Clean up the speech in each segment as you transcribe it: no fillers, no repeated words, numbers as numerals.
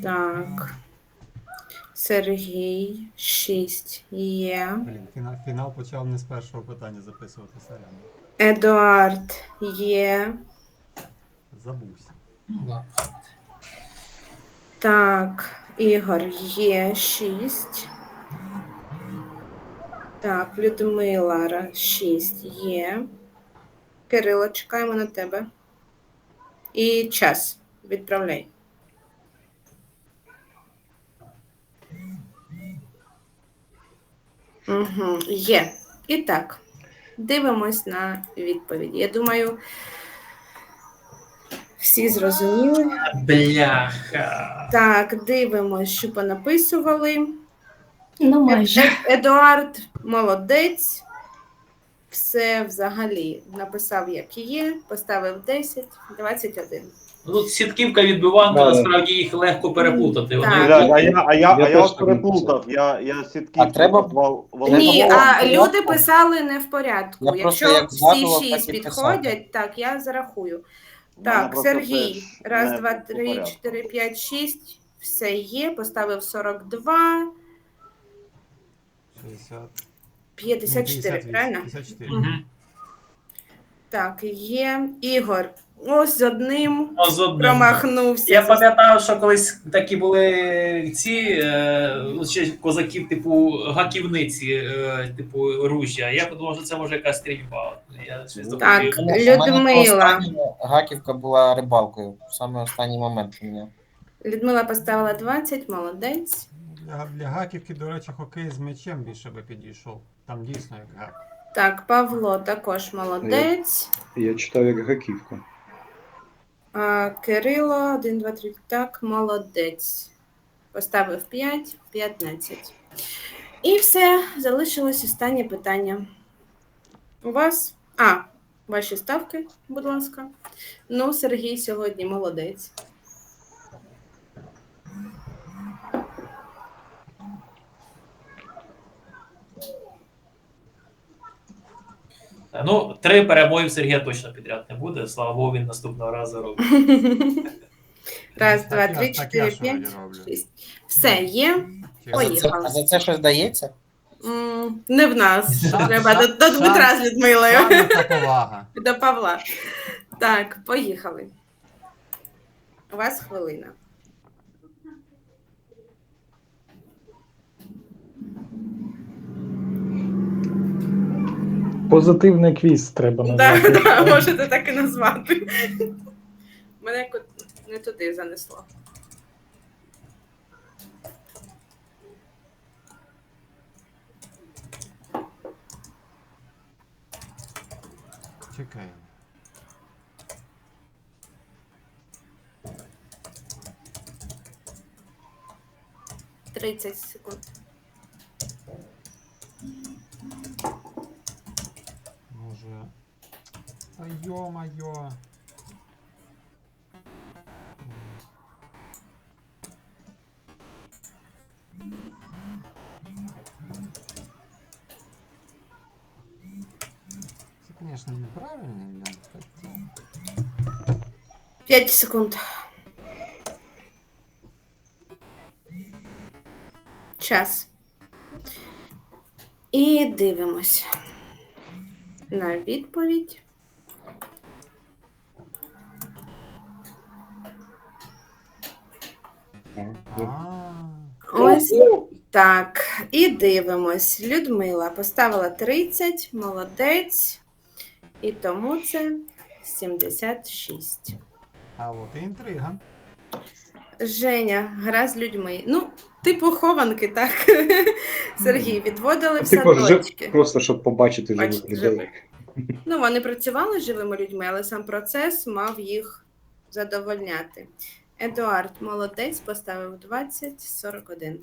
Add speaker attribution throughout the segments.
Speaker 1: Так. Сергій, 6 є.
Speaker 2: Блін, фінал почав не з першого питання записувати, сорян.
Speaker 1: Едуард є.
Speaker 2: Забувся.
Speaker 3: Ну, да.
Speaker 1: Так, Ігор є 6. Так, Людмила 6 є. Кирило, чекаємо на тебе. І час. Відправляй. Угу, є. І так, дивимось на відповіді. Я думаю, всі зрозуміли.
Speaker 3: Бляха.
Speaker 1: Так, дивимось, що понаписували.
Speaker 4: Ну, майже.
Speaker 1: Едуард молодець. Все взагалі написав, як є, поставив 10, 21.
Speaker 3: Ну, тут сітківка від Биванка,
Speaker 5: Да,
Speaker 3: насправді їх легко переплутати.
Speaker 1: Так.
Speaker 3: Вони
Speaker 6: Да, а я
Speaker 5: теж
Speaker 6: вас
Speaker 5: так
Speaker 6: переплутав. Я сітки
Speaker 5: А треба-
Speaker 6: назвав
Speaker 1: Ні,
Speaker 6: Володимиром.
Speaker 1: а люди писали не в порядку.
Speaker 5: Я просто
Speaker 1: Якщо
Speaker 5: як
Speaker 1: всі
Speaker 5: згадував,
Speaker 1: 6
Speaker 5: так і писав.
Speaker 1: підходять, так, я зарахую.
Speaker 6: У мене
Speaker 1: Так,
Speaker 6: просто
Speaker 1: Сергій,
Speaker 6: теж
Speaker 1: раз,
Speaker 6: не
Speaker 1: два,
Speaker 6: по
Speaker 1: три,
Speaker 6: порядку.
Speaker 1: 4, 5, 6, все є, поставив 42,
Speaker 2: 60.
Speaker 1: 54, правильно?
Speaker 2: 54.
Speaker 3: Мгм.
Speaker 1: Так, є. Ігор, ось з одним
Speaker 3: Ну, з одним.
Speaker 1: промахнувся.
Speaker 3: Я пам'ятаю, що колись такі були ці ну, ще козаків, типу гаківниці, типу ружжя. Я подумав, що це може якась стрільба. Я щось
Speaker 1: Так,
Speaker 3: допустив.
Speaker 5: У мене
Speaker 1: Людмила.
Speaker 5: останньо Гаківка була рибалкою. Саме останній момент у мене.
Speaker 1: Людмила поставила 20, молодець.
Speaker 2: Для гаківки, до речі, хокей з м'ячем більше би підійшов. Там дійсно як гак.
Speaker 1: Так, Павло також молодець.
Speaker 5: Я читав як Гаківка.
Speaker 1: А, Кирило, 1, 2, 3, так, молодець. Поставив 5, 15. І все, залишилось останнє питання. У вас? Ваші ставки, будь ласка. Ну, Сергій сьогодні молодець.
Speaker 3: Ну, 3 перемоги в Сергія точно підряд не буде. Слава Богу, він наступного разу робить.
Speaker 1: Раз, два,
Speaker 2: Так,
Speaker 1: три,
Speaker 2: так
Speaker 1: чотири,
Speaker 2: я ж
Speaker 1: п'ять,
Speaker 2: вроді роблю.
Speaker 1: 6. Все, є. Поїхали.
Speaker 5: А за це щось дається?
Speaker 1: Не в нас.
Speaker 2: Шанс,
Speaker 1: Треба
Speaker 2: шанс,
Speaker 1: до Дмитра з Людмилою.
Speaker 2: Шана та повага.
Speaker 1: До Павла. Так, поїхали. У вас хвилина.
Speaker 7: Позитивний квіз треба назвати.
Speaker 1: Так, можете так і назвати. Мене не туди занесло.
Speaker 2: Чекаємо.
Speaker 1: – 30 секунд.
Speaker 2: Може. Та йо-майо. Це, звісно, неправильно, блін. Хоча.
Speaker 1: 5 секунд. Час. І дивимось на відповідь. Ось так. І дивимось. Людмила поставила 30, молодець. І тому це 76.
Speaker 2: А от і інтрига.
Speaker 1: Женя, гра з людьми. Ну, типу хованки, так? Сергій, відводили в
Speaker 5: Типу,
Speaker 1: садочки.
Speaker 5: просто щоб побачити живих
Speaker 1: Бачити
Speaker 5: людей.
Speaker 1: живих. Ну, вони працювали з живими людьми, але сам процес мав їх задовольняти. Едуард молодець, поставив 20, 41.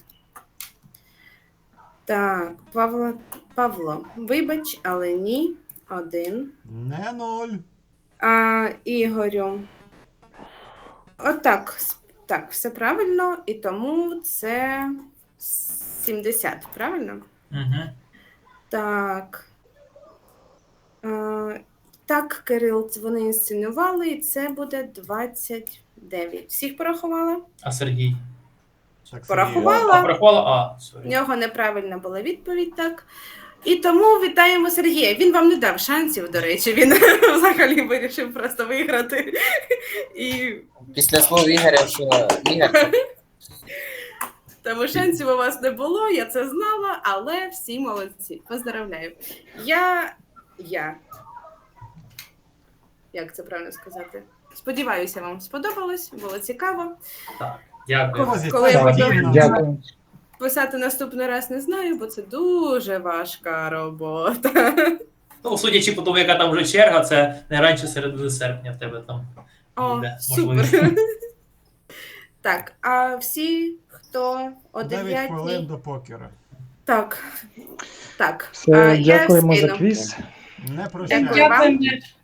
Speaker 1: Так, Павло, вибач, але ні, 1.
Speaker 2: Не 0.
Speaker 1: А Ігорю, отак, так, все правильно, і тому це 70, правильно?
Speaker 3: Угу.
Speaker 1: Так. Так, Кирил, вони інсценували, і це буде 29. Всіх порахувала?
Speaker 3: А Сергій?
Speaker 2: Так,
Speaker 1: Порахувала.
Speaker 3: А, порахувала? А,
Speaker 1: В
Speaker 3: сорі.
Speaker 1: нього неправильна була відповідь, так. І тому вітаємо Сергія. Він вам не дав шансів, до речі, він взагалі вирішив просто виграти. І
Speaker 5: Після слов Ігоря, що Ігор,
Speaker 1: тому шансів у вас не було, я це знала, але всі молодці. Поздравляю. Я. Як це правильно сказати? Сподіваюся, вам сподобалось, було цікаво.
Speaker 3: Так, дякую.
Speaker 1: Коли я буду
Speaker 7: Дякую.
Speaker 1: писати наступний раз, не знаю, бо це дуже важка робота.
Speaker 3: Ну, судячи по тому, яка там вже черга, це не раніше середини серпня в тебе там
Speaker 1: О,
Speaker 3: буде
Speaker 1: супер.
Speaker 3: можливість.
Speaker 1: Так, а всі, хто о
Speaker 2: 9 хвилин
Speaker 1: 9.
Speaker 2: до покера.
Speaker 1: Так. Так.
Speaker 7: Все,
Speaker 1: я
Speaker 7: дякуємо за
Speaker 1: скину.
Speaker 7: квіз.
Speaker 2: Не прощайте.
Speaker 1: Дякую вам.
Speaker 8: Дякуємо.